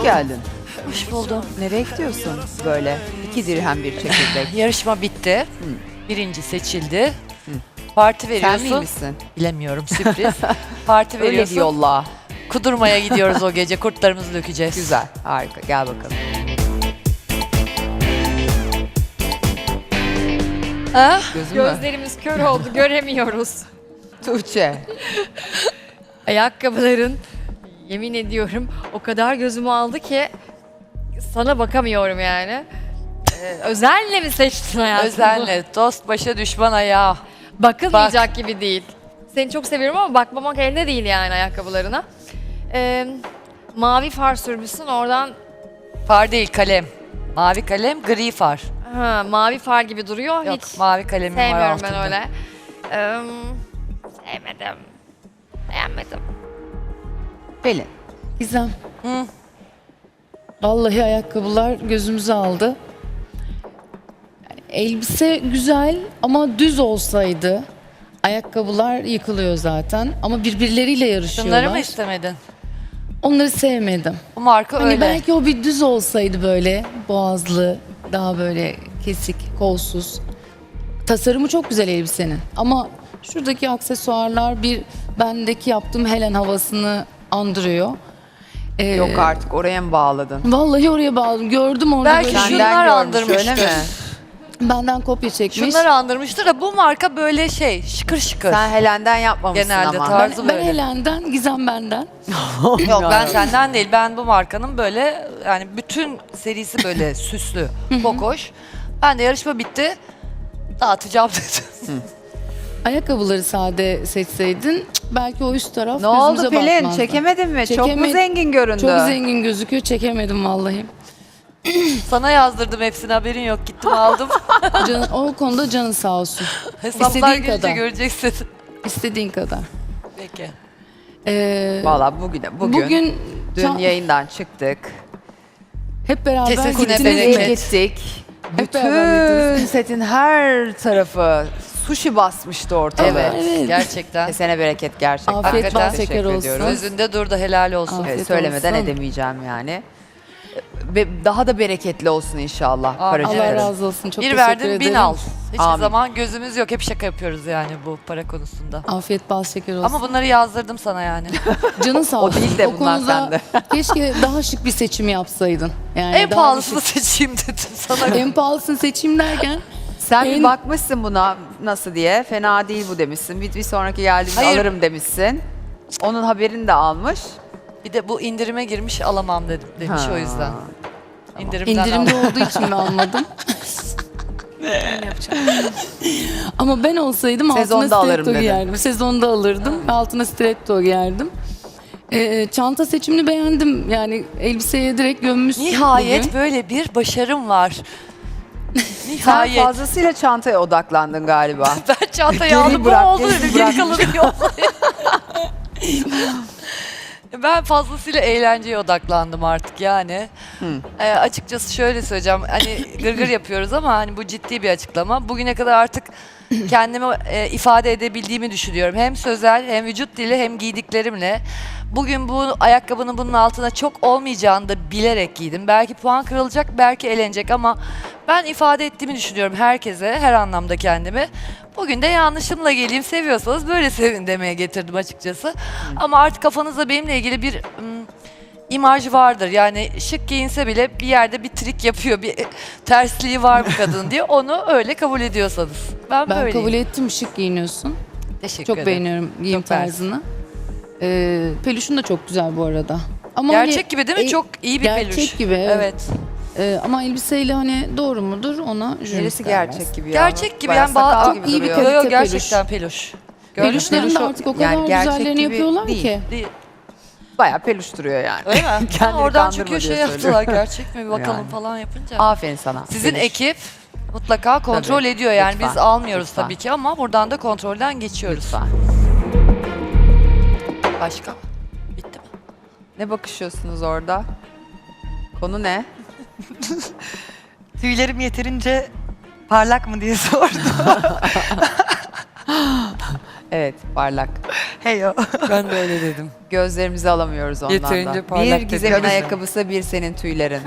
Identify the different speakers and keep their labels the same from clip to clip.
Speaker 1: Hoş geldin.
Speaker 2: Hoş buldum.
Speaker 1: Nereye gidiyorsun böyle? 2 dirhem bir çekirdek.
Speaker 2: Yarışma bitti. Birinci seçildi. Parti
Speaker 1: Sen
Speaker 2: veriyorsun.
Speaker 1: miymişsin?
Speaker 2: Bilemiyorum, sürpriz. Parti
Speaker 1: Öyle
Speaker 2: veriyorsun.
Speaker 1: bir yolla.
Speaker 2: Kudurmaya gidiyoruz o gece. Kurtlarımızı dökeceğiz.
Speaker 1: Güzel, harika. Gel bakalım.
Speaker 2: Ah,
Speaker 1: Gözün mü?
Speaker 3: Gözlerimiz kör oldu, göremiyoruz.
Speaker 1: Tuğçe.
Speaker 3: Ayakkabıların, yemin ediyorum, o kadar gözümü aldı ki sana bakamıyorum yani. Özenle mi seçtin hayatım?
Speaker 2: özenle. Dost başa düşman ayağı.
Speaker 3: Bakılmayacak gibi değil. Seni çok seviyorum ama bakmamak elde değil yani ayakkabılarına. Mavi far sürmüşsün oradan.
Speaker 2: Far değil, kalem. Mavi kalem, gri far.
Speaker 3: Ha, mavi far gibi duruyor.
Speaker 2: Yok,
Speaker 3: Hiç
Speaker 2: mavi kalemim var
Speaker 3: sevmiyorum
Speaker 2: altında.
Speaker 3: ben öyle. Sevmedim. Beğenmedim.
Speaker 1: Pelin.
Speaker 4: Gizem.
Speaker 2: Hı.
Speaker 4: Vallahi ayakkabılar gözümüzü aldı. Yani elbise güzel ama düz olsaydı ayakkabılar yıkılıyor zaten ama birbirleriyle yarışıyorlar.
Speaker 2: Şunları mı istemedin?
Speaker 4: Onları sevmedim.
Speaker 2: Bu marka
Speaker 4: Hani
Speaker 2: öyle.
Speaker 4: belki o bir düz olsaydı böyle boğazlı, daha böyle kesik, kolsuz. Tasarımı çok güzel elbisenin ama şuradaki aksesuarlar bir bendeki yaptığım Helen havasını andırıyor.
Speaker 1: Yok artık oraya mı bağladın?
Speaker 4: Vallahi oraya bağladım. Gördüm orada
Speaker 2: Belki
Speaker 4: böyle.
Speaker 2: şu-
Speaker 1: Senden
Speaker 2: Şunlar
Speaker 1: görmüş,
Speaker 2: andırmıştır.
Speaker 1: öyle mi?
Speaker 4: Benden kopya çekmiş.
Speaker 2: Şunları andırmıştır da bu marka böyle şey, şıkır şıkır.
Speaker 1: Sen Helen'den yapmamışsın
Speaker 2: Genelde
Speaker 1: ama.
Speaker 2: tarzı
Speaker 4: ben
Speaker 2: böyle.
Speaker 4: Helen'den, Gizem benden.
Speaker 2: Yok, ben senden değil. Ben bu markanın böyle yani bütün serisi böyle süslü, bokoş. Ben de yarışma bitti. Dağıtacağım dedim.
Speaker 4: Ayakkabıları sade seçseydin belki o üst taraf
Speaker 1: Ne oldu
Speaker 4: gözümüze
Speaker 1: Pelin?
Speaker 4: batmazdı.
Speaker 1: Çekemedin mi? Çok mu
Speaker 4: Çekemedim.
Speaker 1: zengin göründü?
Speaker 4: Çok zengin gözüküyor. Çekemedim vallahi.
Speaker 2: Sana yazdırdım hepsini, haberin yok. Gittim aldım.
Speaker 4: O konuda canın sağ olsun.
Speaker 2: Hesaplar
Speaker 4: İstediğin
Speaker 2: gelince
Speaker 4: kadar.
Speaker 2: göreceksin.
Speaker 4: İstediğin kadar.
Speaker 2: Peki.
Speaker 1: Valla bugün dün
Speaker 4: Can-
Speaker 1: yayından çıktık.
Speaker 4: hep beraber
Speaker 2: Kesesine
Speaker 4: gittiniz
Speaker 2: bereket.
Speaker 4: mi?
Speaker 1: Gittik.
Speaker 4: Hep beraber
Speaker 1: Bütün setin her tarafı sushi basmıştı ortalığı.
Speaker 2: Evet,
Speaker 4: Evet.
Speaker 2: gerçekten.
Speaker 1: Kesene bereket gerçekten.
Speaker 4: Afiyet
Speaker 2: Hakikaten
Speaker 4: bal şeker
Speaker 1: teşekkür
Speaker 4: olsun.
Speaker 1: ediyoruz.
Speaker 2: Gözünde durdu, helal olsun.
Speaker 4: Afiyet
Speaker 1: Evet, söylemeden
Speaker 4: olsun.
Speaker 1: edemeyeceğim yani. Ve daha da bereketli olsun inşallah.
Speaker 2: Amin.
Speaker 4: Allah
Speaker 1: Paracıkların.
Speaker 4: razı olsun. Çok
Speaker 2: Bir
Speaker 4: teşekkür
Speaker 2: verdin,
Speaker 4: ederim.
Speaker 2: 1000 al. Hiçbir
Speaker 1: Amin.
Speaker 2: zaman gözümüz yok. Hep şaka yapıyoruz yani bu para konusunda.
Speaker 4: Afiyet bal şeker olsun.
Speaker 2: Ama bunları yazdırdım sana yani.
Speaker 4: Canın sağ
Speaker 1: O
Speaker 4: olsun.
Speaker 1: değil de bunlar sende.
Speaker 4: Keşke daha şık bir seçim yapsaydın. Yani
Speaker 2: En
Speaker 4: daha
Speaker 2: pahalısını
Speaker 4: şık-
Speaker 2: seçeyim dedim sana.
Speaker 4: En pahalısını seçeyim derken
Speaker 1: Sen bir
Speaker 4: En-
Speaker 1: bakmışsın buna nasıl diye. Fena değil bu demişsin. Bir sonraki geldiğimde
Speaker 2: Hayır.
Speaker 1: alırım demişsin. Onun haberini de almış.
Speaker 2: Bir de bu indirime girmiş, alamam demiş
Speaker 1: Ha.
Speaker 2: o yüzden. İndirimden
Speaker 4: indirimde
Speaker 2: aldım.
Speaker 4: olduğu için mi almadım? Ama ben olsaydım
Speaker 1: Sezonda
Speaker 4: altına
Speaker 1: alırım
Speaker 4: stiletto
Speaker 1: dedin.
Speaker 4: giyerdim. Sezonda alırdım ve altına stiletto giyerdim. Çanta seçimini beğendim. Yani elbiseye direkt gömmüşsün
Speaker 2: Nihayet
Speaker 4: bugün.
Speaker 2: böyle bir başarım var.
Speaker 1: Sen
Speaker 2: Nihayet.
Speaker 1: fazlasıyla çantaya odaklandın galiba.
Speaker 2: Ben çantayı
Speaker 1: Geri
Speaker 2: aldım,
Speaker 1: bırak,
Speaker 2: bu oldu
Speaker 1: geri
Speaker 2: dedim.
Speaker 1: bırak.
Speaker 2: Geri kalanı yok. Ben fazlasıyla eğlenceye odaklandım artık yani. Açıkçası şöyle söyleyeceğim. Hani gırgır yapıyoruz ama hani bu ciddi bir açıklama. Bugüne kadar artık kendimi ifade edebildiğimi düşünüyorum. Hem sözel, hem vücut dili, hem giydiklerimle. Bugün bu ayakkabının bunun altına çok olmayacağını da bilerek giydim. Belki puan kırılacak, belki elenecek ama ben ifade ettiğimi düşünüyorum herkese, her anlamda kendimi. Bugün de yanlışımla geleyim, seviyorsanız böyle sevin demeye getirdim açıkçası. Ama artık kafanızda benimle ilgili bir imaj vardır. Yani şık giyinse bile bir yerde bir trik yapıyor, bir tersliği var bu kadın diye. Onu öyle kabul ediyorsanız. Ben
Speaker 4: Ben
Speaker 2: böyleyim.
Speaker 4: kabul ettim, şık giyiniyorsun.
Speaker 2: Teşekkür
Speaker 4: Çok
Speaker 2: ederim.
Speaker 4: beğeniyorum giyim
Speaker 2: Çok mersi.
Speaker 4: tarzını. Peluşun da çok güzel bu arada. Ama
Speaker 2: Gerçek
Speaker 4: hani,
Speaker 2: gibi değil mi? Çok iyi bir
Speaker 4: gerçek
Speaker 2: peluş.
Speaker 4: gibi, evet.
Speaker 2: Evet.
Speaker 4: Ama elbiseyle hani doğru mudur ona jüri
Speaker 1: Neresi
Speaker 4: karar versin.
Speaker 1: gerçek gibi ya?
Speaker 2: Gerçek gibi
Speaker 1: Bayağı
Speaker 2: yani
Speaker 1: sakal
Speaker 2: çok
Speaker 1: gibi
Speaker 4: iyi bir
Speaker 1: duruyor.
Speaker 4: kalite
Speaker 2: Yo, yo,
Speaker 4: peluş.
Speaker 2: gerçekten peluş. Gördün mü?
Speaker 4: Peluşların da
Speaker 2: Peluşu-
Speaker 4: artık o
Speaker 1: yani
Speaker 4: kadar
Speaker 1: gerçek
Speaker 4: güzellerini
Speaker 1: gibi
Speaker 4: yapıyorlar
Speaker 1: değil.
Speaker 4: ki.
Speaker 2: Değil.
Speaker 1: Bayağı peluş duruyor yani.
Speaker 2: Öyle mi? Ha,
Speaker 1: Kendini
Speaker 2: oradan
Speaker 1: kandırma
Speaker 2: çünkü
Speaker 1: diye
Speaker 2: şey yaptılar,
Speaker 1: söylüyorum.
Speaker 2: gerçek mi bir bakalım
Speaker 1: Yani.
Speaker 2: falan yapınca.
Speaker 1: Aferin sana.
Speaker 2: Sizin
Speaker 1: Peluş.
Speaker 2: ekip mutlaka kontrol
Speaker 1: Tabii.
Speaker 2: ediyor yani
Speaker 1: Lütfen,
Speaker 2: biz almıyoruz
Speaker 1: lütfen.
Speaker 2: tabii ki ama buradan da kontrolden geçiyoruz.
Speaker 1: Lütfen.
Speaker 2: Başka? Bitti mi?
Speaker 1: Ne bakışıyorsunuz orada? Konu ne?
Speaker 5: Tüylerim yeterince parlak mı diye sordum.
Speaker 1: Evet, parlak.
Speaker 5: Heyo.
Speaker 2: Ben de öyle dedim.
Speaker 1: Gözlerimizi alamıyoruz ondan
Speaker 2: Yeterince
Speaker 1: da.
Speaker 2: parlak
Speaker 1: Bir
Speaker 2: dedi.
Speaker 1: Gizem'in
Speaker 5: Tabii.
Speaker 1: ayakkabısı, bir senin tüylerin.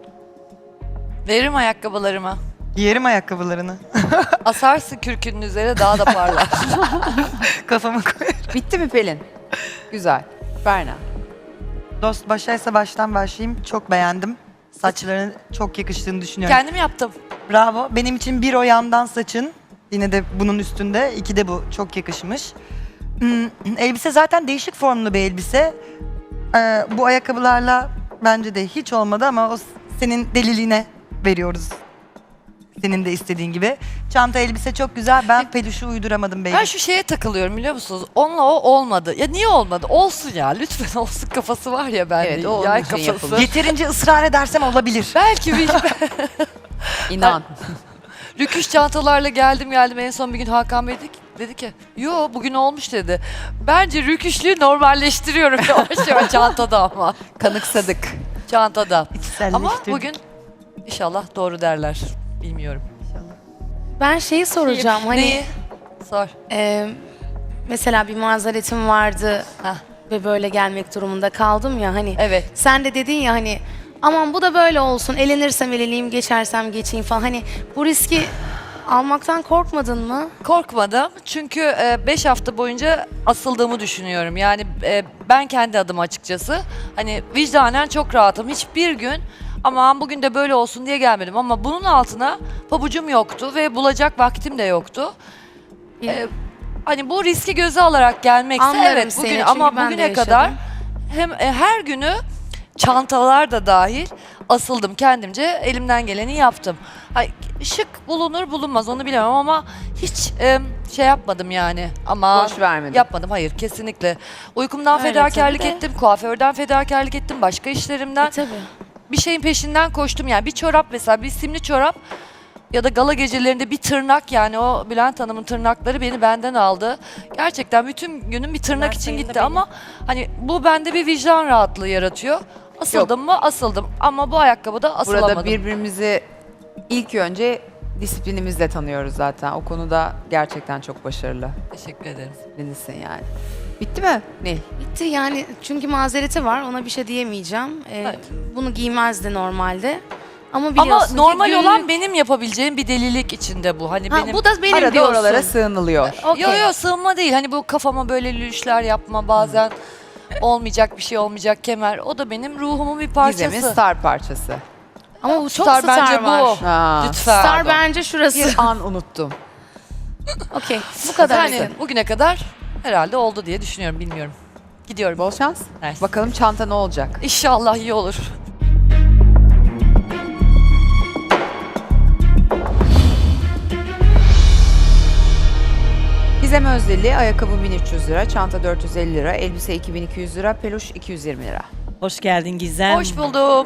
Speaker 2: Veririm ayakkabılarımı.
Speaker 5: Giyerim ayakkabılarını.
Speaker 2: Asarsın kürkünün üzerine daha da parlar.
Speaker 5: Kafama koyarım.
Speaker 1: Bitti mi Pelin? Güzel. Berna.
Speaker 5: Dost başlaysa baştan başlayayım. Çok beğendim. Saçlarının çok yakıştığını düşünüyorum.
Speaker 2: Kendim yaptım.
Speaker 5: Bravo. Benim için bir o yandan saçın. Yine de bunun üstünde. İki de bu. Çok yakışmış. Elbise zaten değişik formlu bir elbise. Bu ayakkabılarla bence de hiç olmadı ama o senin deliliğine veriyoruz. Senin de istediğin gibi. Çanta elbise çok güzel. Ben peluşu uyduramadım baby.
Speaker 2: Ben şu şeye takılıyorum biliyor musunuz? Onunla o olmadı. Ya niye olmadı? Olsun ya. Lütfen olsun kafası var ya bende.
Speaker 1: Evet, o onun
Speaker 2: Yay
Speaker 1: için
Speaker 2: kafası.
Speaker 1: yapılmış.
Speaker 5: Yeterince ısrar edersem olabilir.
Speaker 2: Belki bir
Speaker 1: İnan.
Speaker 2: rüküş çantalarla geldim en son bir gün Hakan Bey dedi ki yo bugün olmuş dedi. Bence rüküşlüğü normalleştiriyorum yavaş yavaş çantada ama.
Speaker 1: Kanıksadık.
Speaker 2: Çantada. Ama
Speaker 5: İçselleştirdik.
Speaker 2: bugün inşallah doğru derler. Bilmiyorum.
Speaker 6: Ben şeyi soracağım hani
Speaker 2: Neyi? Sor.
Speaker 6: mesela bir mazeretim vardı
Speaker 2: Hah.
Speaker 6: ve böyle gelmek durumunda kaldım ya hani
Speaker 2: Evet.
Speaker 6: sen de dedin ya hani aman bu da böyle olsun elenirsem eleneyim geçersem geçeyim falan hani bu riski almaktan korkmadın mı?
Speaker 2: Korkmadım çünkü 5 hafta boyunca asıldığımı düşünüyorum. Yani ben kendi adıma açıkçası hani vicdanen çok rahatım. Hiçbir gün aman bugün de böyle olsun diye gelmedim ama bunun altına pabucum yoktu ve bulacak vaktim de yoktu. Hani bu riski göze alarak gelmekse
Speaker 6: Anlarım
Speaker 2: evet
Speaker 6: seni,
Speaker 2: bugün
Speaker 6: çünkü
Speaker 2: ama
Speaker 6: ben de
Speaker 2: bugüne
Speaker 6: yaşadım.
Speaker 2: kadar hem her günü çantalar da dahil asıldım kendimce elimden geleni yaptım. Ay, şık bulunur bulunmaz onu bilemem ama hiç şey yapmadım yani ama
Speaker 1: Boş vermedin.
Speaker 2: yapmadım hayır kesinlikle. Uykumdan
Speaker 6: Öyle
Speaker 2: fedakarlık
Speaker 6: tabii de.
Speaker 2: ettim, kuaförden fedakarlık ettim, başka işlerimden
Speaker 6: Tabii.
Speaker 2: bir şeyin peşinden koştum yani bir çorap mesela bir simli çorap ya da gala gecelerinde bir tırnak yani o Bülent Hanım'ın tırnakları beni benden aldı. Gerçekten bütün günüm bir tırnak için gitti ama hani bu bende bir vicdan rahatlığı yaratıyor. Asıldım mı? Asıldım. Ama bu ayakkabıda asılamadım.
Speaker 1: Burada birbirimizi ilk önce disiplinimizle tanıyoruz zaten. O konuda gerçekten çok başarılı.
Speaker 2: Teşekkür ederim.
Speaker 1: Disiplinlisin yani. Bitti mi Nil?
Speaker 6: Bitti yani çünkü mazereti var ona bir şey diyemeyeceğim.
Speaker 2: Evet.
Speaker 6: Bunu giymezdi normalde. Ama biliyorsun
Speaker 2: Ama
Speaker 6: ki
Speaker 2: normal
Speaker 6: günlük-
Speaker 2: olan benim yapabileceğim bir delilik içinde bu. Hani
Speaker 6: Ha,
Speaker 2: benim
Speaker 6: bu da benim
Speaker 1: Arada
Speaker 6: diyorsun.
Speaker 1: oralara sığınılıyor.
Speaker 6: Okey.
Speaker 2: Yo sığınma değil. Hani bu kafama böyle lüşler yapma bazen olmayacak bir şey olmayacak kemer. O da benim ruhumun bir parçası.
Speaker 1: Gizem'in star parçası.
Speaker 6: Ama bu çok
Speaker 2: Star
Speaker 6: star
Speaker 2: bence
Speaker 6: var.
Speaker 2: bu.
Speaker 1: Ha.
Speaker 2: Lütfen.
Speaker 6: Star bence şurası.
Speaker 1: Bir an unuttum.
Speaker 6: Okey. Bu kadar.
Speaker 2: Yani bugüne kadar herhalde oldu diye düşünüyorum. Bilmiyorum. Gidiyorum.
Speaker 1: Bol şans.
Speaker 2: Evet.
Speaker 1: Bakalım çanta ne olacak?
Speaker 2: İnşallah iyi olur.
Speaker 1: Gizem Özdeli, ayakkabı 1300 lira, çanta 450 lira, elbise 2200 lira, peluş 220 lira.
Speaker 7: Hoş geldin Gizem.
Speaker 2: Hoş buldum.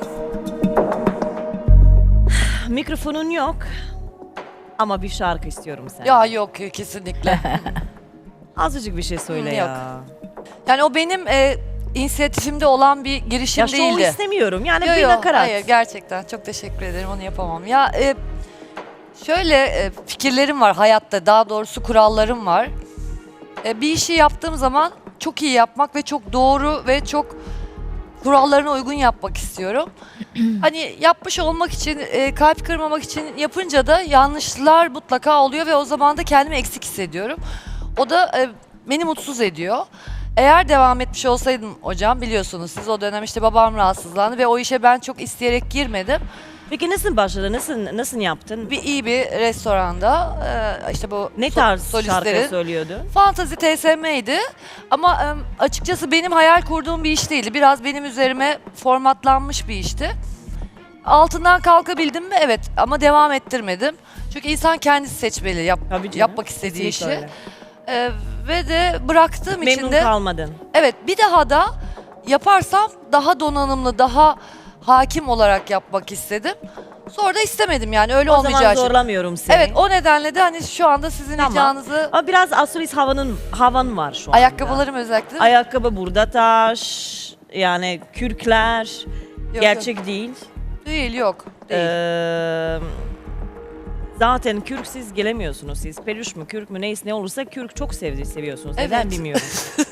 Speaker 7: Mikrofonun yok. Ama bir şarkı istiyorum senden.
Speaker 2: Ya yok kesinlikle.
Speaker 7: Azıcık bir şey söyle
Speaker 2: Yok.
Speaker 7: ya.
Speaker 2: Yani o benim inisiyatifimde olan bir girişim
Speaker 7: Ya şov
Speaker 2: değildi.
Speaker 7: istemiyorum. Yani
Speaker 2: Yo,
Speaker 7: bir
Speaker 2: yo,
Speaker 7: nakarat.
Speaker 2: hayır gerçekten çok teşekkür ederim onu yapamam. Ya şöyle fikirlerim var hayatta daha doğrusu kurallarım var. Bir işi yaptığım zaman çok iyi yapmak ve çok doğru ve çok kurallarına uygun yapmak istiyorum. Hani yapmış olmak için kalp kırmamak için yapınca da yanlışlar mutlaka oluyor ve o zaman da kendimi eksik hissediyorum. O da beni mutsuz ediyor. Eğer devam etmiş olsaydım hocam biliyorsunuz siz o dönem işte babam rahatsızlandı ve o işe ben çok isteyerek girmedim.
Speaker 7: Peki nasıl başladın? Nasıl yaptın?
Speaker 2: İyi bir restoranda işte bu
Speaker 7: Ne tarz
Speaker 2: solistlerin
Speaker 7: şarkı söylüyordun?
Speaker 2: Fantazi TSM'ydi ama açıkçası benim hayal kurduğum bir iş değildi. Biraz benim üzerime formatlanmış bir işti. Altından kalkabildim mi? Evet ama devam ettirmedim. Çünkü insan kendisi seçmeli
Speaker 7: Tabii canım,
Speaker 2: yapmak istediği
Speaker 7: kesinlikle
Speaker 2: işi.
Speaker 7: öyle.
Speaker 2: Ve de bıraktığım için
Speaker 7: Memnun
Speaker 2: de
Speaker 7: kalmadın.
Speaker 2: evet bir daha da yaparsam daha donanımlı, daha hakim olarak yapmak istedim. Sonra da istemedim yani öyle
Speaker 7: O
Speaker 2: olmayacağı
Speaker 7: zaman
Speaker 2: için.
Speaker 7: zorlamıyorum seni.
Speaker 2: Evet o nedenle de hani şu anda sizin
Speaker 7: Tamam.
Speaker 2: ricanızı
Speaker 7: Ama biraz astrolist havan var şu anda.
Speaker 2: ayakkabılarım özellikle değil mi?
Speaker 7: Ayakkabı burada taş. Yani kürkler.
Speaker 2: Yok,
Speaker 7: gerçek değil.
Speaker 2: Değil yok. Değil.
Speaker 7: Zaten kürksüz gelemiyorsunuz siz. Peluş mu, kürk mü, neyse ne olursa kürk çok seviyorsunuz. Neden
Speaker 2: Evet.
Speaker 7: bilmiyorum.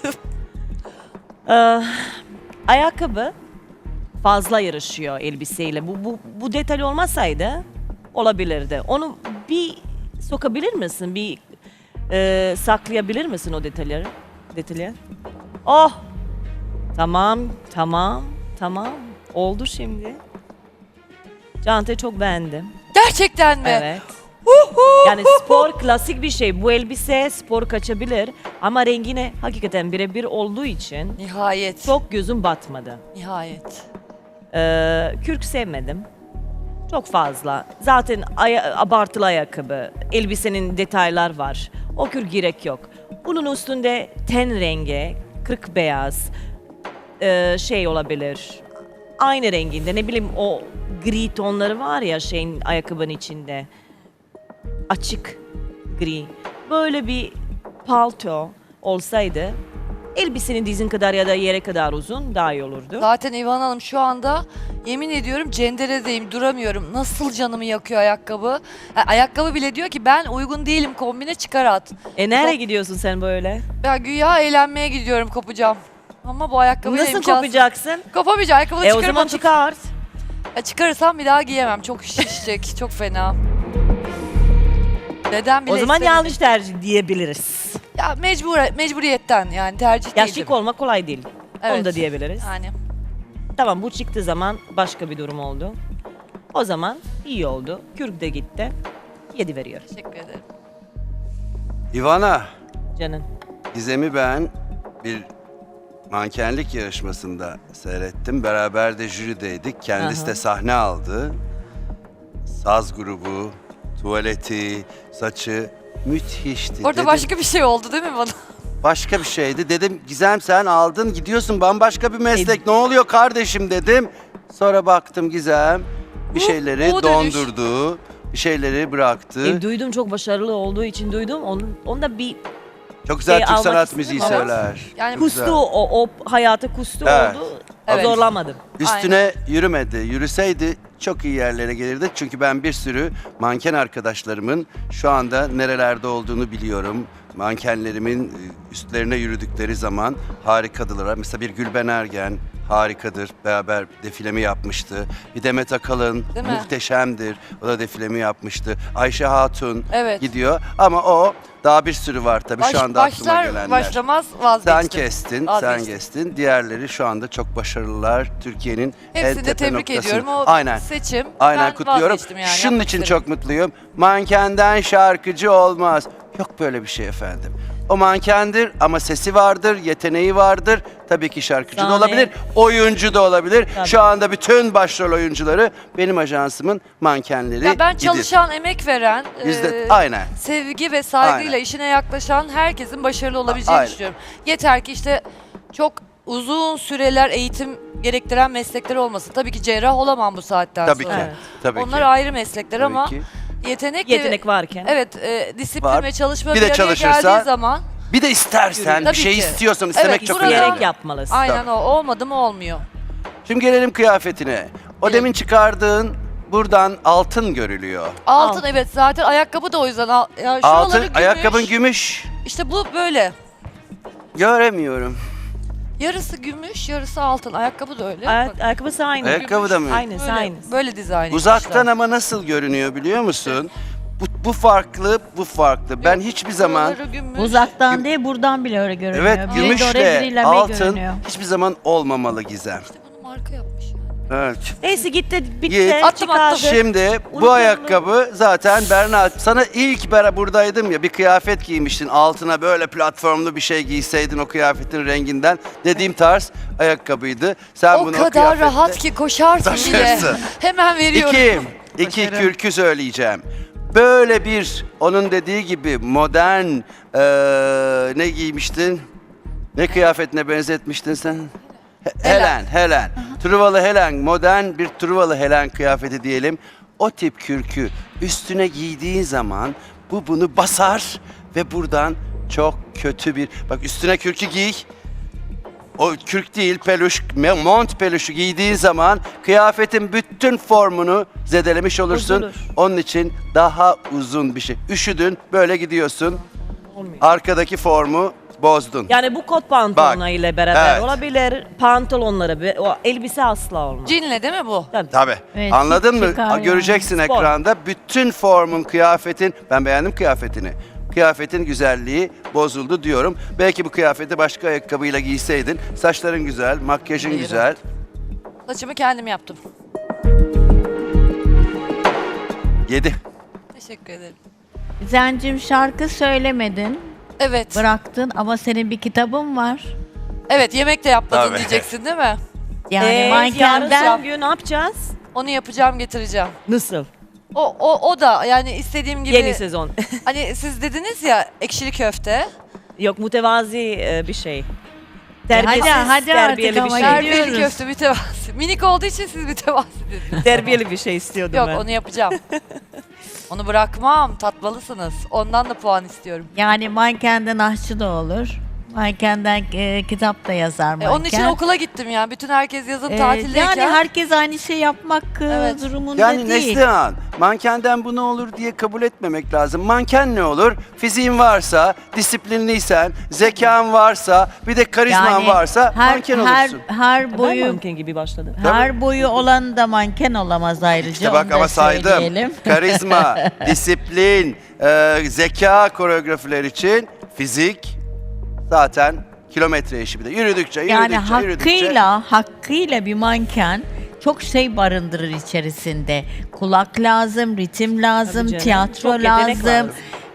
Speaker 7: Ayakkabı fazla yarışıyor elbiseyle. Bu detay olmasaydı olabilirdi. Onu bir sokabilir misin? Bir saklayabilir misin o detayları? Oh! Tamam. Oldu şimdi. Çantayı çok beğendim.
Speaker 2: Gerçekten mi?
Speaker 7: Evet. Yani spor klasik bir şey. Bu elbise spor kaçabilir ama rengine hakikaten birebir olduğu için
Speaker 2: Nihayet.
Speaker 7: çok gözüm batmadı.
Speaker 2: Nihayet.
Speaker 7: Kürk sevmedim. Çok fazla. Zaten abartılı ayakkabı. Elbisenin detaylar var. O kürk gerek yok. Bunun üstünde ten rengi, kırk beyaz şey olabilir. Aynı renginde ne bileyim o gri tonları var ya şeyin ayakkabının içinde. Açık gri. Böyle bir palto olsaydı elbisenin dizin kadar ya da yere kadar uzun daha iyi olurdu.
Speaker 2: Zaten İvan Hanım şu anda yemin ediyorum cenderedeyim, duramıyorum. Nasıl canımı yakıyor ayakkabı. Ha, ayakkabı bile diyor ki ben uygun değilim, kombine çıkar at.
Speaker 7: Nereye gidiyorsun sen böyle?
Speaker 2: Ben güya eğlenmeye gidiyorum, kopacağım. Ama bu ayakkabıyla
Speaker 7: Nasıl
Speaker 2: imkansız.
Speaker 7: kopacaksın?
Speaker 2: Kopamayacağım, ayakkabı
Speaker 7: O
Speaker 2: çıkarıp
Speaker 7: zaman
Speaker 2: atıp-
Speaker 7: çıkart.
Speaker 2: Çıkarırsam bir daha giyemem. Çok şişecek, çok fena. Neden bile
Speaker 7: O zaman
Speaker 2: istemedi.
Speaker 7: yanlış tercih diyebiliriz.
Speaker 2: Ya mecburiyetten yani tercih
Speaker 7: Ya
Speaker 2: değil.
Speaker 7: şık olmak kolay değil.
Speaker 2: Evet.
Speaker 7: Onu da diyebiliriz.
Speaker 2: Yani
Speaker 7: Tamam bu çıktığı zaman başka bir durum oldu. O zaman iyi oldu. Kürk de gitti. 7 veriyor.
Speaker 2: teşekkür ederim.
Speaker 8: Ivana,
Speaker 7: Canım.
Speaker 8: Gizem'i ben bir mankenlik yarışmasında seyrettim. Beraber de jürideydik. Kendisi
Speaker 7: Aha.
Speaker 8: de sahne aldı. Saz grubu, tuvaleti, saçı müthişti.
Speaker 2: Orada
Speaker 8: Dedim,
Speaker 2: başka bir şey oldu değil mi bana?
Speaker 8: başka bir şeydi. Dedim Gizem sen aldın gidiyorsun bambaşka bir meslek. Ne oluyor kardeşim dedim. Sonra baktım Gizem bir şeyleri
Speaker 2: bu dönüş.
Speaker 8: dondurdu. Bir şeyleri bıraktı.
Speaker 7: Duydum çok başarılı olduğu için duydum. Onda bir
Speaker 8: Çok güzel Türk
Speaker 7: almak
Speaker 8: sanat
Speaker 7: istedim
Speaker 8: müziği
Speaker 7: ama-
Speaker 8: söyler.
Speaker 2: Yani
Speaker 8: Çok güzel.
Speaker 7: kustu o hayata kustu
Speaker 8: Evet.
Speaker 7: oldu.
Speaker 2: Evet.
Speaker 7: Zorlamadım.
Speaker 8: Üstüne yürümedi. Yürüseydi çok iyi yerlere gelirdi. Çünkü ben bir sürü manken arkadaşlarımın şu anda nerelerde olduğunu biliyorum. Mankenlerimin üstlerine yürüdükleri zaman harikadılar. Mesela bir Gülben Ergen harikadır. Beraber defilemi yapmıştı. Bir Demet Akalın
Speaker 2: Değil mi?
Speaker 8: muhteşemdir. O da defilemi yapmıştı. Ayşe Hatun
Speaker 2: Evet.
Speaker 8: gidiyor. Ama o daha bir sürü var tabii şu anda aklıma
Speaker 2: başlar
Speaker 8: gelenler.
Speaker 2: başlamaz
Speaker 8: Sen
Speaker 2: vazgeçtim.
Speaker 8: kestin,
Speaker 2: Vazgeçtim.
Speaker 8: sen kestin. Diğerleri şu anda çok başarılılar. Türkiye'nin en
Speaker 2: Hepsini de
Speaker 8: tepe
Speaker 2: tebrik
Speaker 8: noktasını.
Speaker 2: ediyorum. O
Speaker 8: Aynen.
Speaker 2: seçim.
Speaker 8: Aynen
Speaker 2: Ben
Speaker 8: kutluyorum.
Speaker 2: vazgeçtim yani.
Speaker 8: Şunun
Speaker 2: yapmak
Speaker 8: için
Speaker 2: istedim.
Speaker 8: çok mutluyum. Mankenden şarkıcı olmaz. Yok böyle bir şey efendim. O mankendir ama sesi vardır, yeteneği vardır. Tabii ki şarkıcı da
Speaker 7: Sahne.
Speaker 8: olabilir, oyuncu da olabilir.
Speaker 7: Tabii.
Speaker 8: Şu anda bütün başrol oyuncuları benim ajansımın mankenleri.
Speaker 2: Ya ben
Speaker 8: idir.
Speaker 2: çalışan, emek veren,
Speaker 8: Aynen.
Speaker 2: sevgi ve saygıyla
Speaker 8: Aynen.
Speaker 2: işine yaklaşan herkesin başarılı olabileceğini
Speaker 8: Aynen.
Speaker 2: düşünüyorum. Yeter ki işte çok uzun süreler eğitim gerektiren meslekler olmasın. Tabii ki cerrah olamam bu saatten
Speaker 8: Tabii
Speaker 2: sonra.
Speaker 8: ki.
Speaker 7: Evet.
Speaker 8: Tabii
Speaker 2: Onlar
Speaker 8: ki.
Speaker 2: ayrı meslekler
Speaker 8: Tabii
Speaker 2: ama
Speaker 8: ki.
Speaker 2: yetenek
Speaker 7: varken.
Speaker 2: evet, disiplin
Speaker 8: Var.
Speaker 2: ve çalışma
Speaker 8: Bir
Speaker 2: bir
Speaker 8: de
Speaker 2: araya
Speaker 8: çalışırsa-
Speaker 2: geldiği zaman
Speaker 8: Bir de istersen,
Speaker 2: Tabii
Speaker 8: bir şey
Speaker 2: ki.
Speaker 8: istiyorsan istemek
Speaker 2: Evet,
Speaker 8: çok
Speaker 2: burada-
Speaker 8: önemli.
Speaker 7: Diyerek yapmalısın.
Speaker 2: aynen o. Olmadı mı olmuyor.
Speaker 8: Şimdi gelelim kıyafetine. O
Speaker 2: Evet.
Speaker 8: demin çıkardığın buradan altın görülüyor.
Speaker 2: Altın evet zaten ayakkabı da o yüzden. Ya şuraları
Speaker 8: Altın,
Speaker 2: gümüş.
Speaker 8: ayakkabın gümüş.
Speaker 2: İşte bu böyle.
Speaker 8: Göremiyorum.
Speaker 2: Yarısı gümüş, yarısı altın. Ayakkabı da öyle. Bak,
Speaker 7: Ayakkabısı aynı.
Speaker 8: Ayakkabı da mı?
Speaker 7: Aynısı
Speaker 2: böyle,
Speaker 7: aynısı.
Speaker 2: böyle dizayn
Speaker 8: Uzaktan
Speaker 2: etmişler.
Speaker 8: ama nasıl görünüyor biliyor musun? Bu farklı, bu farklı. Ben
Speaker 2: Yok,
Speaker 8: hiçbir zaman
Speaker 2: buraları gümüş.
Speaker 9: Uzaktan değil buradan bile öyle görünüyor.
Speaker 8: evet
Speaker 9: Biri de oraya,
Speaker 8: gümüşle
Speaker 9: biri lame
Speaker 8: altın
Speaker 9: görünüyor.
Speaker 8: hiçbir zaman olmamalı Gizem.
Speaker 2: İşte bunu marka yapmış yani.
Speaker 8: Evet.
Speaker 7: Neyse gitti bitti.
Speaker 8: Git.
Speaker 2: Attım.
Speaker 8: Şimdi bu
Speaker 7: Unutuldu.
Speaker 8: ayakkabı zaten Berna sana ilk buradaydım ya bir kıyafet giymiştin altına böyle platformlu bir şey giyseydin o kıyafetin renginden dediğim tarz ayakkabıydı. Sen
Speaker 2: O
Speaker 8: bunu
Speaker 2: kadar
Speaker 8: kıyafetle
Speaker 2: rahat ki koşarsın bile.
Speaker 8: taşırsın.
Speaker 2: Hemen veriyorum.
Speaker 8: İki kürkü söyleyeceğim. Böyle bir onun dediği gibi modern ne giymiştin? Ne kıyafetine benzetmiştin sen? Helen. Truvalı Helen, modern bir Truvalı Helen kıyafeti diyelim. O tip kürkü üstüne giydiğin zaman bu bunu basar ve buradan çok kötü bir... Bak üstüne kürkü giy. o kürk değil peluş, mont peluşu giydiğin zaman kıyafetin bütün formunu zedelemiş olursun.
Speaker 7: Bozulur.
Speaker 8: Onun için daha uzun bir şey. Üşüdün, böyle gidiyorsun.
Speaker 7: Olmuyor.
Speaker 8: Arkadaki formu bozdun.
Speaker 7: Yani bu kot pantolonla
Speaker 8: Bak,
Speaker 7: ile beraber
Speaker 8: evet.
Speaker 7: olabilir. Pantolonları, o elbise asla olmaz.
Speaker 2: Cinle değil mi bu?
Speaker 8: Tabii.
Speaker 9: Evet,
Speaker 8: Anladın mı?
Speaker 9: çıkar yani.
Speaker 8: Göreceksin
Speaker 7: Spor.
Speaker 8: ekranda bütün formun, kıyafetin. Ben beğendim kıyafetini. Kıyafetin güzelliği bozuldu diyorum. Belki bu kıyafeti başka ayakkabıyla giyseydin. Saçların güzel, makyajın
Speaker 2: Hayır.
Speaker 8: güzel.
Speaker 2: Saçımı kendim yaptım.
Speaker 8: 7.
Speaker 2: Teşekkür ederim.
Speaker 9: Zencim şarkı söylemedin,
Speaker 2: Evet.
Speaker 9: bıraktın ama senin bir kitabın var.
Speaker 2: Evet, yemek de yapmadın
Speaker 8: Tabii.
Speaker 2: diyeceksin değil mi?
Speaker 9: Yani
Speaker 7: yarın
Speaker 9: mankenden
Speaker 7: son gün ne yapacağız?
Speaker 2: Onu yapacağım, getireceğim.
Speaker 7: Nasıl?
Speaker 2: O da yani istediğim gibi.
Speaker 7: Yeni sezon.
Speaker 2: Hani siz dediniz ya ekşili köfte.
Speaker 7: Yok, mütevazi bir şey.
Speaker 9: hadi artık
Speaker 7: terbiyeli bir
Speaker 9: ama
Speaker 7: şey.
Speaker 9: gidiyoruz.
Speaker 2: Terbiyeli köfte mütevazi. Minik olduğu için siz mütevazi dediniz.
Speaker 7: Terbiyeli bir şey istiyordum
Speaker 2: Yok
Speaker 7: ben.
Speaker 2: onu yapacağım. Onu bırakmam. Tatmalısınız. Ondan da puan istiyorum.
Speaker 9: Yani mankenden aşçı da olur. Mankenden kitap da yazar manken.
Speaker 2: Onun için okula gittim ya. Bütün herkes yazın tatildeyken.
Speaker 9: Yani herkes aynı şey yapmak
Speaker 2: Evet.
Speaker 9: durumunda
Speaker 8: Yani
Speaker 9: değil.
Speaker 8: Neslihan, mankenden bu ne olur diye kabul etmemek lazım. Manken ne olur? Fiziğin varsa, disiplinliysen, zekan varsa, bir de karizman varsa manken olursun.
Speaker 9: Her
Speaker 7: Ben
Speaker 9: boyu
Speaker 7: manken gibi başladım.
Speaker 9: her boyu olan da manken olamaz ayrıca.
Speaker 8: İşte bak
Speaker 9: onu da
Speaker 8: ama saydım.
Speaker 9: söyleyelim.
Speaker 8: Karizma, disiplin, zeka koreografiler için fizik zaten kilometre işi bir de. Yürüdükçe,
Speaker 9: Yani
Speaker 8: yürüdükçe.
Speaker 9: hakkıyla bir manken çok şey barındırır içerisinde. Kulak lazım, ritim lazım,
Speaker 7: Tabii canım.
Speaker 9: tiyatro
Speaker 7: Çok yetenek
Speaker 9: lazım.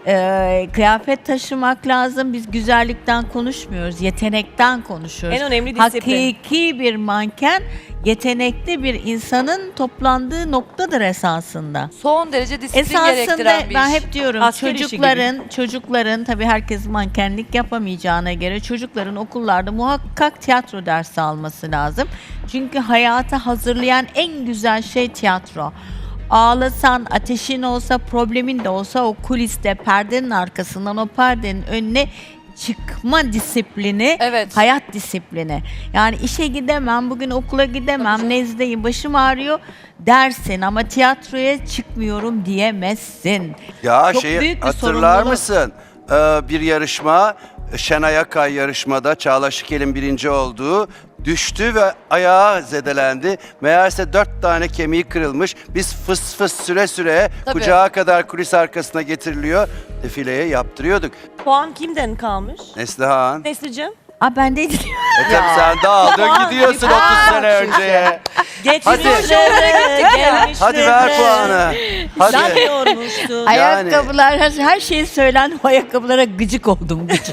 Speaker 9: Kıyafet taşımak lazım. Biz güzellikten konuşmuyoruz, yetenekten konuşuyoruz.
Speaker 7: En önemli disiplin.
Speaker 9: Hakiki bir manken, yetenekli bir insanın toplandığı noktadır esasında.
Speaker 2: Son derece disiplin
Speaker 9: Esasında
Speaker 2: gerektiren bir
Speaker 9: ben
Speaker 2: iş.
Speaker 9: hep diyorum
Speaker 7: Asker işi
Speaker 9: çocukların tabii herkes mankenlik yapamayacağına göre çocukların okullarda muhakkak tiyatro dersi alması lazım. Çünkü hayata hazırlayan en güzel şey tiyatro. Ağlasan, ateşin olsa, problemin de olsa o kuliste, perdenin arkasından o perdenin önüne çıkma disiplini,
Speaker 2: Evet.
Speaker 9: hayat disiplini. Yani işe gidemem, bugün okula gidemem, nezdeyim, başım ağrıyor dersin ama tiyatroya çıkmıyorum diyemezsin.
Speaker 8: Ya
Speaker 9: Çok
Speaker 8: şeyi
Speaker 9: büyük bir
Speaker 8: hatırlar
Speaker 9: sorumluluk.
Speaker 8: mısın? Bir yarışma, Şenay Akay yarışmada Çağla Şikel'in birinci olduğu düştü ve ayağı zedelendi. Meğerse 4 tane kemiği kırılmış. Biz fıs fıs süre süre
Speaker 2: Tabii.
Speaker 8: kucağa kadar kulis arkasına getiriliyor. Defileye yaptırıyorduk.
Speaker 7: Puan kimden kalmış?
Speaker 8: Neslihan.
Speaker 7: Nesli'cim?
Speaker 9: Ben de
Speaker 8: Tabii sen dağıldın gidiyorsun 30 sene önceye.
Speaker 7: Geçmişlere gelmişlere.
Speaker 8: Hadi ver puanı. Hadi.
Speaker 7: Sen yormuştun.
Speaker 9: ayakkabılar, her şey söylendi, o ayakkabılara gıcık oldum. Gıcık.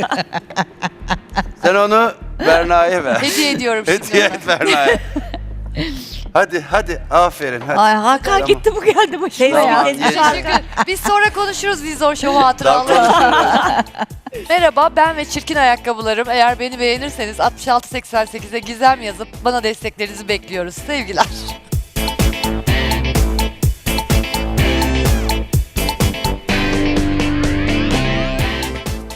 Speaker 8: Sen onu Berna'ya ver.
Speaker 2: Hediye ediyorum şimdi.
Speaker 8: Hediye
Speaker 2: ona.
Speaker 8: et Berna'ya. Hadi aferin hadi.
Speaker 9: Ay Hakan
Speaker 8: Tamam.
Speaker 9: gitti bu geldi başıma
Speaker 8: Tamam,
Speaker 9: ya.
Speaker 8: yeter.
Speaker 2: Teşekkür. Biz sonra konuşuruz Vizor Show
Speaker 8: Tamam,
Speaker 2: hatıraları. Merhaba, ben ve çirkin ayakkabılarım. Eğer beni beğenirseniz 6688'e Gizem yazıp bana desteklerinizi bekliyoruz. Sevgiler.